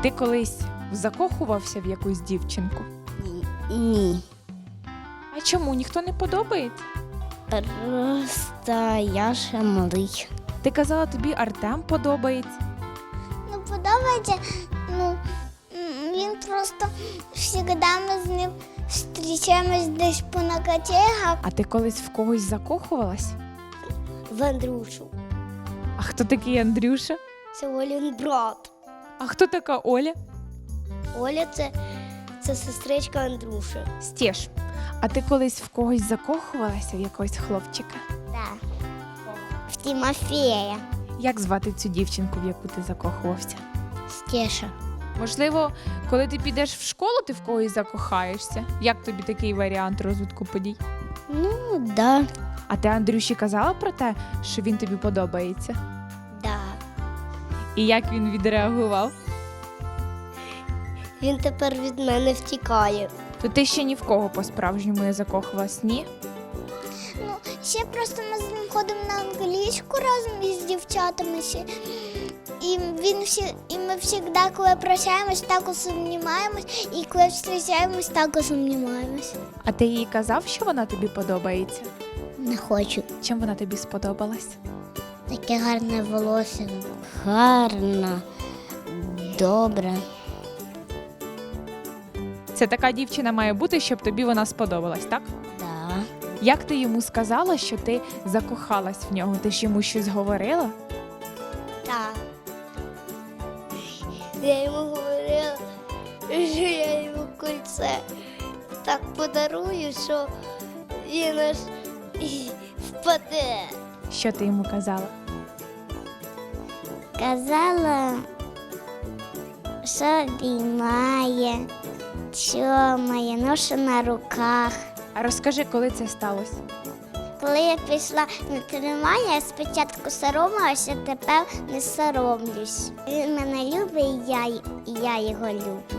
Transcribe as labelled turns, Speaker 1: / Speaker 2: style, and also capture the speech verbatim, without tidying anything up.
Speaker 1: ти колись закохувався в якусь дівчинку?
Speaker 2: Ні.
Speaker 1: А чому? Ніхто не подобається?
Speaker 2: Просто я ще малий.
Speaker 1: Ти казала, тобі Артем подобається.
Speaker 3: Ну, подобається, ну, м, він просто завжди ми з ним зустрічаємось десь по накатегах.
Speaker 1: А ти колись в когось закохувалась?
Speaker 2: В Андрюшу.
Speaker 1: А хто такий Андрюша?
Speaker 2: Це Олін брат.
Speaker 1: А хто така Оля?
Speaker 2: Оля це, це сестричка Андрюші.
Speaker 1: Стєж, а ти колись в когось закохувалася, в якогось хлопчика?
Speaker 3: Так. В Тимофея.
Speaker 1: Як звати цю дівчинку, в яку ти закохувався?
Speaker 3: Стеша.
Speaker 1: Можливо, коли ти підеш в школу, ти в когось закохаєшся? Як тобі такий варіант розвитку подій?
Speaker 2: Ну, да.
Speaker 1: А ти Андрюші казала про те, що він тобі подобається?
Speaker 2: Да.
Speaker 1: І як він відреагував?
Speaker 2: Він тепер від мене втікає.
Speaker 1: То ти ще ні в кого по-справжньому не закохувалась, ні?
Speaker 3: Ну, ще просто ми з ним ходимо на англійську разом із дівчатами. Ще. І, він всі, і ми завжди, коли прощаємось, так сумніваємось, і коли зустрічаємось, так сумніваємось.
Speaker 1: А ти їй казав, що вона тобі подобається?
Speaker 3: Не хочу.
Speaker 1: Чим вона тобі сподобалась?
Speaker 3: Таке гарне волосся.
Speaker 2: Гарна. Добре.
Speaker 1: Це така дівчина має бути, щоб тобі вона сподобалась, так?
Speaker 2: Да.
Speaker 1: Як ти йому сказала, що ти закохалась в нього? Ти ж йому щось говорила?
Speaker 2: Так. Я йому говорила, що я йому кольце так подарую, що він аж і впаде.
Speaker 1: Що ти йому казала?
Speaker 3: Казала, що обіймає, чомає, ношу на руках.
Speaker 1: А розкажи, коли це сталося?
Speaker 3: Коли я пішла на тренування, я спочатку соромилася, тепер не соромлюсь. Він мене любить, і я, і я його люблю.